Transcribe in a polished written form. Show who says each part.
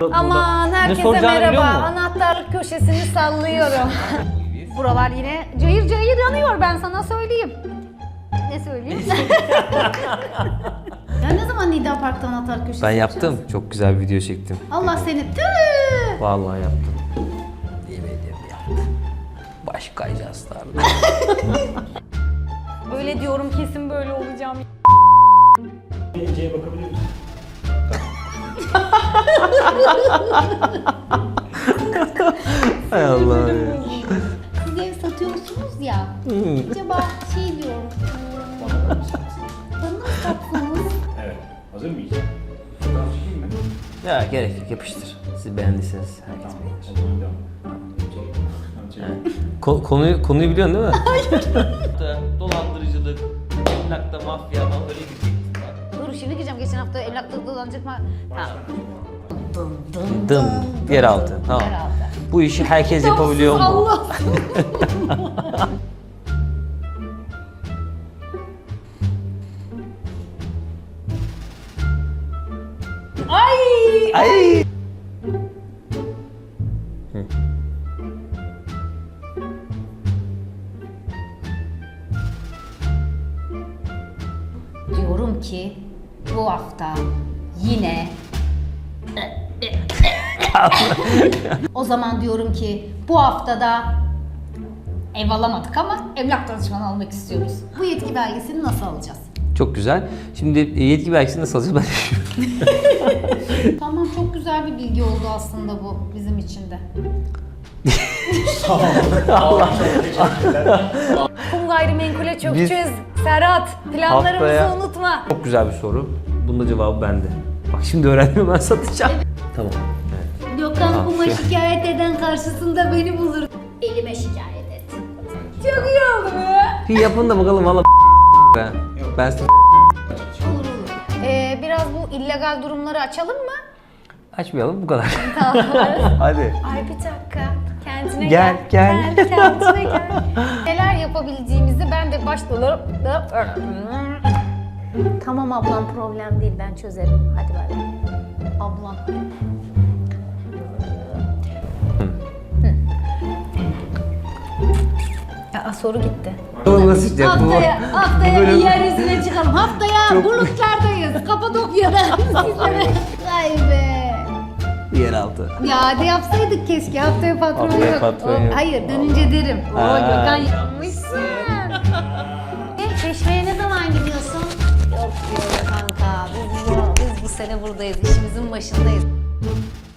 Speaker 1: Aman herkese
Speaker 2: soracağını biliyor
Speaker 1: merhaba.
Speaker 2: musun?
Speaker 1: Anahtarlık köşesini sallıyorum. Buralar yine cayır cayır yanıyor, ben sana söyleyeyim. Ne söyleyeyim? Ya ne zaman Nida Park'ta anahtarlık köşesi
Speaker 2: Ben
Speaker 1: yapacağız?
Speaker 2: yaptım. Çok güzel bir video çektim.
Speaker 1: Allah seni tüh!
Speaker 2: Vallahi yaptım. Yemin ederim yaptım. Baş kayacağızlarla.
Speaker 1: Öyle diyorum, kesin böyle olacağım.
Speaker 3: Ece'ye bakabilir misin?
Speaker 2: Hay Allah ya.
Speaker 1: Siz ev satıyorsunuz ya. Acaba şey diyorum. Bana mı satsanız?
Speaker 3: Evet. Hazır mıyız? Fotoğraf çekeyim mi?
Speaker 2: Ya gerek yok, yapıştır. Siz beğendiyseniz herkes
Speaker 3: O
Speaker 2: beğenir.
Speaker 3: zaman devam. Tamam, çekelim.
Speaker 2: Konuyu biliyorsun değil mi? Hayır. Dolandırıcılık, emlakta mafya ama öyle bir
Speaker 1: Dur şimdi gireceğim. Geçen hafta emlakta dolanacak mı? Tamam.
Speaker 2: dım, yeraltı. Tamam.
Speaker 1: Yeraltı.
Speaker 2: Bu işi herkes yapabiliyor mu?
Speaker 1: Allah. Ay!
Speaker 2: Ay!
Speaker 1: Diyorum ki bu hafta yine o zaman diyorum ki bu haftada ev alamadık ama emlak danışmanı almak istiyoruz. Bu yetki belgesini nasıl alacağız?
Speaker 2: Çok güzel. Şimdi yetki belgesini nasıl alacağız ben düşünüyorum.
Speaker 1: Tamam, çok güzel bir bilgi oldu aslında bu bizim için de. Kum gayrimenkule çökeceğiz. Serhat, planlarımızı
Speaker 2: haftaya-
Speaker 1: unutma.
Speaker 2: Çok güzel bir soru. Bunun da cevabı bende. Bak şimdi öğrendim, ben satacağım. Tamam. Evet.
Speaker 1: Gökhan
Speaker 2: Tamam,
Speaker 1: kuma
Speaker 2: şey-
Speaker 1: şikayet eden karşısında beni bulur. Elime şikayet et. Çok iyi oldu be.
Speaker 2: Bir yapın da bakalım valla ben. Ben size
Speaker 1: Olur olur. Biraz bu illegal durumları açalım mı?
Speaker 2: açmayalım bu kadar.
Speaker 1: Tamam.
Speaker 2: Hadi.
Speaker 1: Ay bir dakika. Kendine
Speaker 2: Gel, gel.
Speaker 1: Kendine gel. Neler yapabileceğimizi ben de başta... Tamam ablam, problem değil, ben çözerim. Hadi bay bay. Ablam. Aa, soru gitti.
Speaker 2: Nasıl işte bu?
Speaker 1: Haftaya
Speaker 2: bu bölüm-
Speaker 1: bir yeryüzüne çıkalım. Haftaya Bulutlar'dayız. Kapadokya'da sizlere. Vay be.
Speaker 2: Yeraltı.
Speaker 1: Ya de yapsaydık keşke. Haftaya patron
Speaker 2: Haftaya
Speaker 1: yok.
Speaker 2: patron yok.
Speaker 1: Hayır, dönünce derim. Oo,
Speaker 2: Ha.
Speaker 1: Gökhan yapmışsın. Çeşmeye ne zaman gidiyorsun? Yok diyor kanka. Biz bu sene buradayız. İşimizin başındayız.